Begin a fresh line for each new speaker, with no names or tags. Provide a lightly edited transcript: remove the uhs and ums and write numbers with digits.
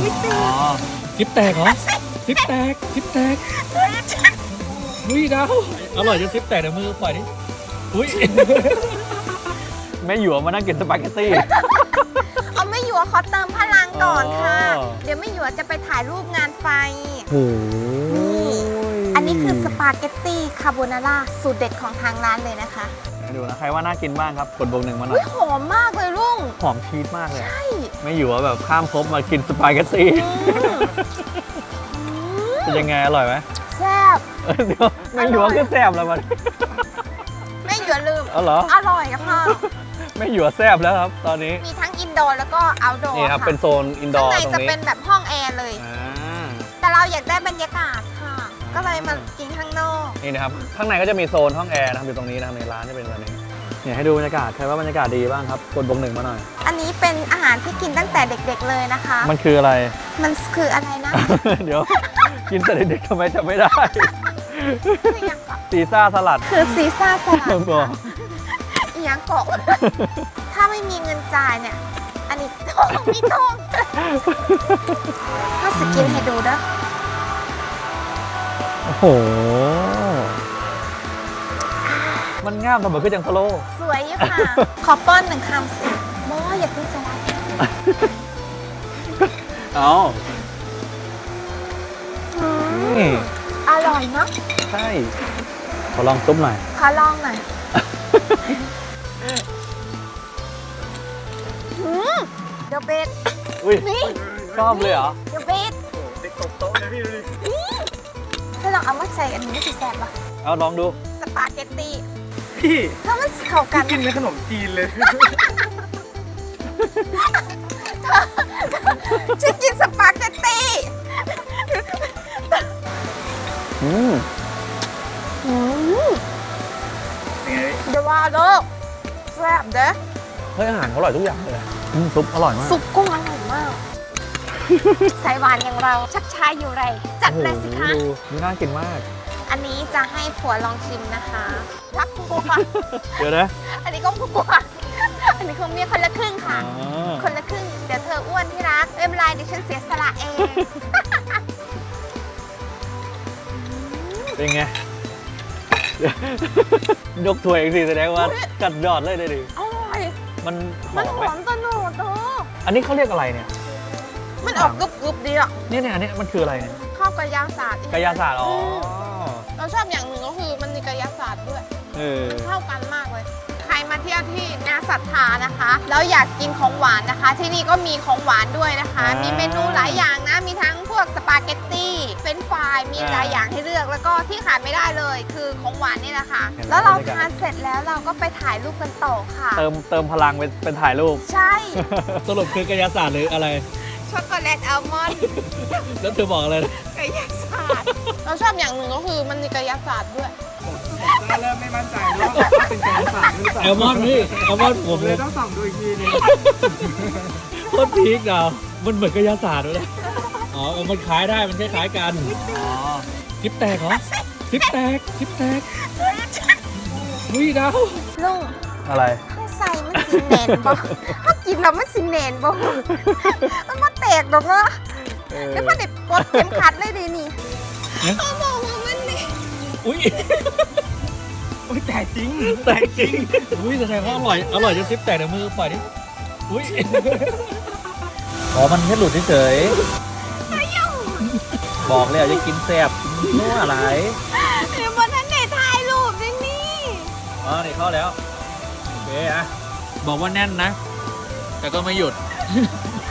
ซิปแตกเหรอซิปแตกอุ้ยดาวอร่อยจนซิปแตกเดี๋ยวมือปล่อยดิอุ้ยไม่หยวมานั่งกินสปาเกตตี้
เอาไม่หยวขอเติมพลังก่อนค่ะเดี๋ยวไม่หยวจะไปถ่ายรูปงานไฟ
โอ้
อันนี้คือสปาเกตตี้คาโบนาร่าสูตรเด็ดของทางร้านเลยนะคะ
ดูนะใครว่าน่ากินบ้างครับกดบวก 1มาหน่อย
หอมมากเลยลุง
หอมชีสมากเลย
ใช่
ไม่หยวแบบข้ามภพมากินสปาเกตตี้เป็นยังไงอร่อยไหม
แซ่บ
เดี๋ยวไม่หยวก็แซ่บแล้วมัน
ไม่หยวลืม
เหรอ
อร่อยค่ะ
ไม่หยวแซ่บแล้วครับตอนนี้
มีทั้งอินดอร์แล้วก็เอาท์ดอร์
นี่ครับเป็นโซนอินดอร์
ข้างในจะเป็นแบบห้องแอร์เลยแต่เราอยากได้บรรยากาศค่ะก็เลยมากินข้างนอก
นี่นะครับข้างในก็จะมีโซนห้องแอร์นะครับอยู่ตรงนี้นะครับในร้านจะเป็นแบบนี้เนี่ยให้ดูบรรยากาศใครว่าบรรยากาศดีบ้างครับกดบวก 1มาหน่อย
อันนี้เป็นอาหารที่กินตั้งแต่เด็กๆเลยนะคะ
มันคืออะไร
มันคืออะไรนะ
เดี๋ยวกินแต่เด็กๆทำไมจะไม่ได้ซีซ่าสลัด
คือซีซ่าสลัดอีหยังเกาะถ้าไม่มีเงินจ่ายเนี่ยอันนี้ทองมีทองถ้าสกินให้ดูนะ
โอ้โหมันง่ามทำไมคือจังสโล
สวยอยู่ค่ะขอป้อน1คำสิโมอย่าเพิ่งสลัด
เอา
อร่อยเนาะ
ใช่ขอลองซุปหน่อย
ขอลองหน่อยเดี๋ยวเบส
นี่ชอบเลยเหรอ
เดี๋ยวเบส
เด็กตบโต๊ะเลยพี่ดูดิ
ถ้าลองเอามาใส่อันนี้จะแซ่บปะ
เอาลองดู
สปาเกตตี้
พี่
ถ้ามันเข้ากัน
กินเป็นขนมจีนเลย
ฉันกินสปาเกตตี้เดี๋ยวว่าเด้อแซ่บเด้อ
เฮ้ยอาหารเขาอร่อยทุกอย่างเลยซุปอร่อยมาก
ซุปกุ้งอร่อยมากใส่หวานอย่างเราชักชายอยู่ไรจัดเลยสิคะ
ดูน่ากินมาก
อันนี้จะให้ผัวลองชิมนะคะรักผัว
เดี๋ยวนะ
อันนี้ก็ผัวอันนี้คือเมียคนละครึ่งค่ะคนละครึ่งเดี๋ยวเธออ้วนที่รักไม่เป็นไรเดี๋ยวฉันเสียสละเอง
เป็นไงยกถ้วยเองสิแสดงว่าจัดยอดเลยได้ดิ
อร่อย
มันห
อมตะโนดเธอ
อันนี้เขาเรียกอะไรเนี่ย
มันออกกรุบๆดีอ่ะ
เนี่ยอันนี้มันคืออะไรเนี่ย
ข้าวกระยาศาสตร์
กระยาศาสตร์อ๋อ
เราชอบอย่างหนึ่งก็คือมันมีกระยาศาสตร์ด้วยเข้ากันมากเลยใครมาเที่ยวที่นาศรัทธานะคะแล้วอยากกินของหวานนะคะ ที่นี่ก็มีของหวานด้วยนะคะมีเมนูหลายอย่างนะมีทั้งพวกสปาเกตตี้เฟรนช์ฟรายมีหลายอย่างให้เลือกแล้วก็ที่ขาดไม่ได้เลยคือของหวานนี่แหละค่ะแล้วเราทานเสร็จแล้วเราก็ไปถ่ายรูปกันต่อค่ะ
เติมพลังเป็นถ่ายรูป
ใช่
สรุปคือกระยาศาสตร์หรืออะไร
ช็อกโกแลตอัลมอนด์
แล้วเธอบอกอะไร
กระยาศาสตร์เราชอบอย่างหนึ่งก็คือมันมีกระยาศาสตร์ด้วย
เริ่มไม่มั่นใจว่าเป็นกระยาศาสตร์หรือเปล่า
แอลมอนด์พี่แอลมอนด์ผม
เลยต้องส่องดูอีกทีนึง
โคตรพีคอ่ะมันเหมือนกระยาศาสตร์เลยอ๋อมันคล้ายได้มันคล้ายๆกันซิปแตกเหรอซิปแตกอุ้ยดาว
ลุง
อะไร
ข้างใส่มันสิเนนบ่ถ้ากินแล้วมันสิเนนบ่มันมาแตกหรอกเนาะแล้วมันเด็ดปลดเข็มขัดเลยดินี่เขาบอกว่ามันนี่
อุ้ย
แตกจริง
อุ้ยแสดงว่าอร่อยจนซิปแตกเดี๋ยวมือปล่อยดิอุ้ยอ๋อมันแค่หลุดเฉยบอกเลยจะกินแซ่บนัวอะไร
เดี๋ยวบนนั้นเด็ดถ่ายรูปด้วยนี่
อ๋อนี่เข้าแล้วโอเคอะบอกว่าแน่นนะแต่ก็ไม่หยุด